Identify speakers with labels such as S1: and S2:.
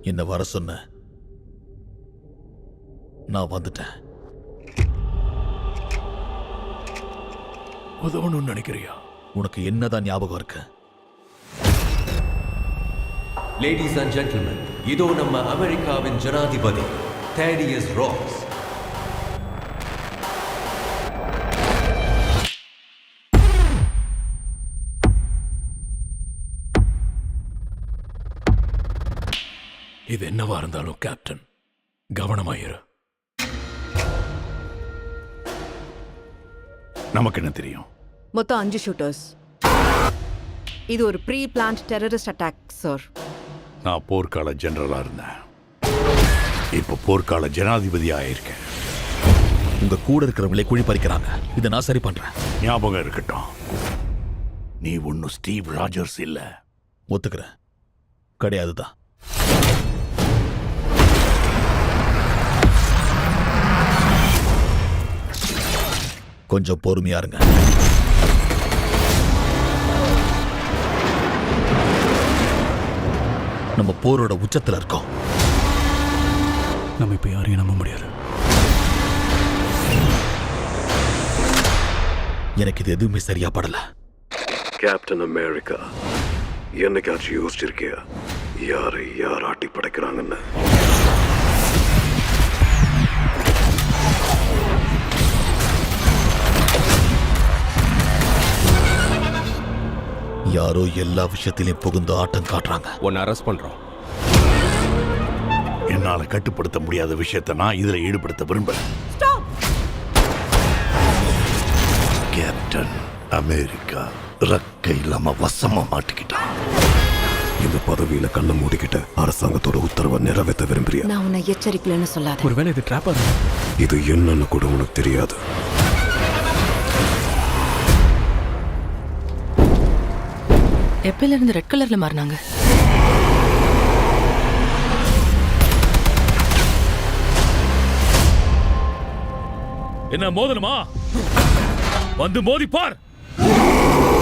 S1: என்ன வர சொன்ன, நான் வந்துட்டேன்.
S2: உதவணும்னு நினைக்கிறியா?
S1: உனக்கு என்னதான் ஞாபகம் இருக்கு?
S3: லேடிஸ் அண்ட் ஜென்டில்மேன், இதோ நம்ம அமெரிக்காவின் ஜனாதிபதி தேடியஸ் ராஸ்.
S2: இது என்னவா இருந்தாலும் கேப்டன், கவனமாயிரு. நமக்கு என்ன தெரியும்?
S4: மொத்தம் 5 ஷூட்டர்ஸ். இது ஒரு pre planned terrorist attack sir.
S2: நான் போர்க்கால ஜெனரலா இருந்தேன், இப்ப போர்க்கால ஜனாதிபதி ஆயிருக்கேன்.
S1: உங்க கூட இருக்கிறவங்களே குழி பறிக்கிறாங்க. இதை நான் சரி பண்றேன்.
S2: ஞாபகம் இருக்கட்டும், நீ ஒன்னும் ஸ்டீவ் ராஜர்ஸ் இல்ல.
S1: ஒத்துக்கிறேன், கிடையாதுதான். கொஞ்சம் பொறுமையா இருங்க. நம்ம போரோட உச்சத்துல இருக்கோம்.
S2: நம்ம இப்ப யாரையும் நம்ப முடியாது.
S1: எனக்கு இது எதுவுமே சரியா படல.
S5: கேப்டன் அமெரிக்கா, என்னைக்காச்சும் யோசிச்சிருக்கியா யாரை யார் ஆட்டி படைக்கிறாங்கன்னு?
S1: யாரோ எல்லா விஷயத்திலையும் புகுந்து ஆட்டம் காட்டுறாங்க.
S3: உன்னை அரெஸ்ட் பண்றோம்.
S2: என்னால கட்டுப்படுத்த முடியாத விஷயத்தை நான் இதுல ஈடுபடுத்த விரும்பல.
S5: கேப்டன் அமெரிக்கா ரக்கை இல்லாம வசமா மாட்டிக்கிட்டான். இந்த பதவியில கண்ணை மூடிக்கிட்ட அரசாங்கத்தோட உத்தரவை நிறைவேற்ற விரும்புறியா?
S4: நான் உன்னை எச்சரிக்கலன்னு சொல்லாத.
S2: ஒருவேளை இது ட்ராப்பா?
S5: இது என்னன்னு கூட உனக்கு தெரியாது.
S6: எப்பல இருந்து ரெட் கலர்ல மாறினாங்க?
S2: என்ன மோதணுமா? வந்து மோதி பார்.